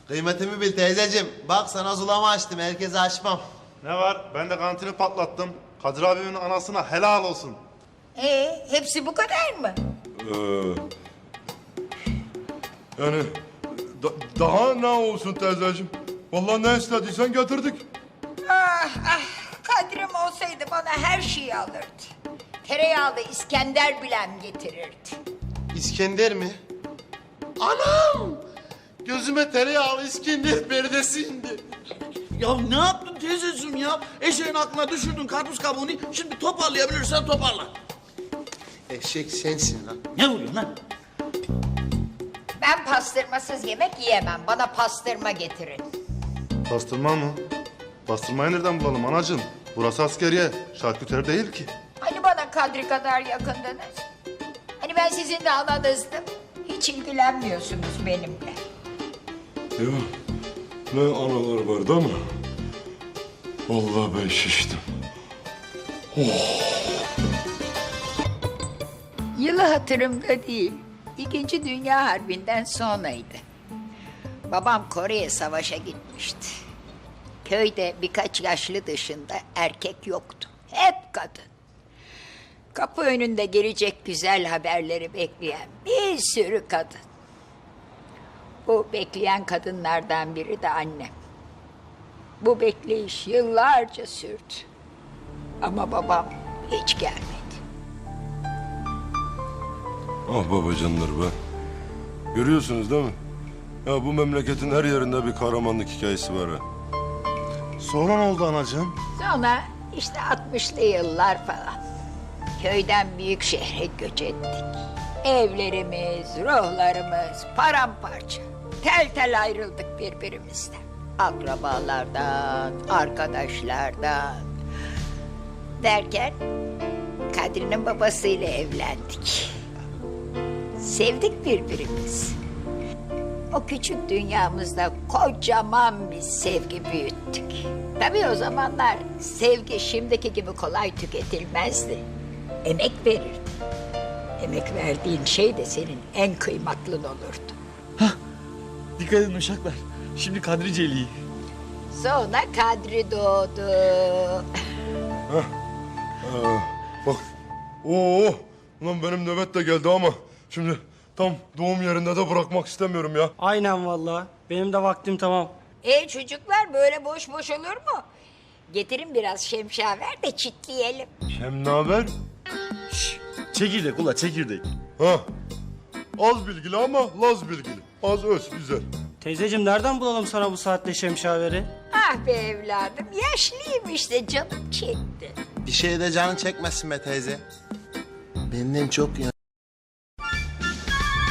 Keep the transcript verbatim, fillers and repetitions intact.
Kıymetimi bil teyzeciğim. Bak sana zulama açtım. Herkese açmam. Ne var? Ben de kantini patlattım. Kadir abimin anasına helal olsun. Ee, hepsi bu kadar mı? Ee, yani da- daha ne olsun teyzeciğim? Vallahi ne istediysen getirdik. Ah ah, Kadrim olsaydı bana her şeyi alırdı. Tereyağlı İskender bilem getirirdi. İskender mi? Anam! Gözüme tereyağlı İskender perdesi indi. Ya ne yaptın teyzeciğim ya? Eşeğin aklına düşürdün karpuz kabuğunu. Şimdi toparlayabilirsen toparla. Eşek sensin lan. Ne vuruyorsun lan? Ben pastırmasız yemek yiyemem. Bana pastırma getirin. Pastırma mı? Pastırmayı nereden bulalım anacığım? Burası askeriye. Şarküteri değil ki. Hani bana Kadri kadar yakındınız? Hani ben sizin de ananızdım? Hiç ilgilenmiyorsunuz benimle. Ya ne analar vardı ama vallahi ben şiştim. Yılı hatırımda değil. İkinci Dünya Harbi'nden sonraydı. Babam Kore'ye savaşa gitmişti. Köyde birkaç yaşlı dışında erkek yoktu. Hep kadın. Kapı önünde gelecek güzel haberleri bekleyen bir sürü kadın. Bu bekleyen kadınlardan biri de annem. Bu bekleyiş yıllarca sürdü. Ama babam hiç gelmedi. Ah babacanlar be. Görüyorsunuz değil mi? Ya bu memleketin her yerinde bir kahramanlık hikayesi var ha. Sonra ne oldu anacığım? Sonra işte altmışlı yıllar falan. Köyden büyük şehre göç ettik. Evlerimiz, ruhlarımız paramparça. Tel tel ayrıldık birbirimizden. Akrabalardan, arkadaşlardan. Derken Kadri'nin babasıyla evlendik. Sevdik birbirimizi. O küçük dünyamızda kocaman bir sevgi büyüttük. Tabii o zamanlar sevgi şimdiki gibi kolay tüketilmezdi. Emek verirdi. Emek verdiğin şey de senin en kıymatlın olurdu. Dikkat edin uşaklar. Şimdi Kadri Celi'yi. Sonra Kadri doğdu. Ee, bak. Oo, ulan benim nöbet de geldi ama şimdi tam doğum yerinde de bırakmak istemiyorum ya. Aynen vallahi. Benim de vaktim tamam. E çocuklar böyle boş boş olur mu? Getirin biraz şemşaver de çitleyelim. Hem ne haber? Çekirdek ula çekirdek. Ha. Az bilgili ama laz bilgili. Az öz güzel. Teyzeciğim nereden bulalım sana bu saatte şemşaveri? Ah be evladım, yaşlıyım işte, canım çekti. Bir şey de canın çekmesin be teyze. Benden çok ya.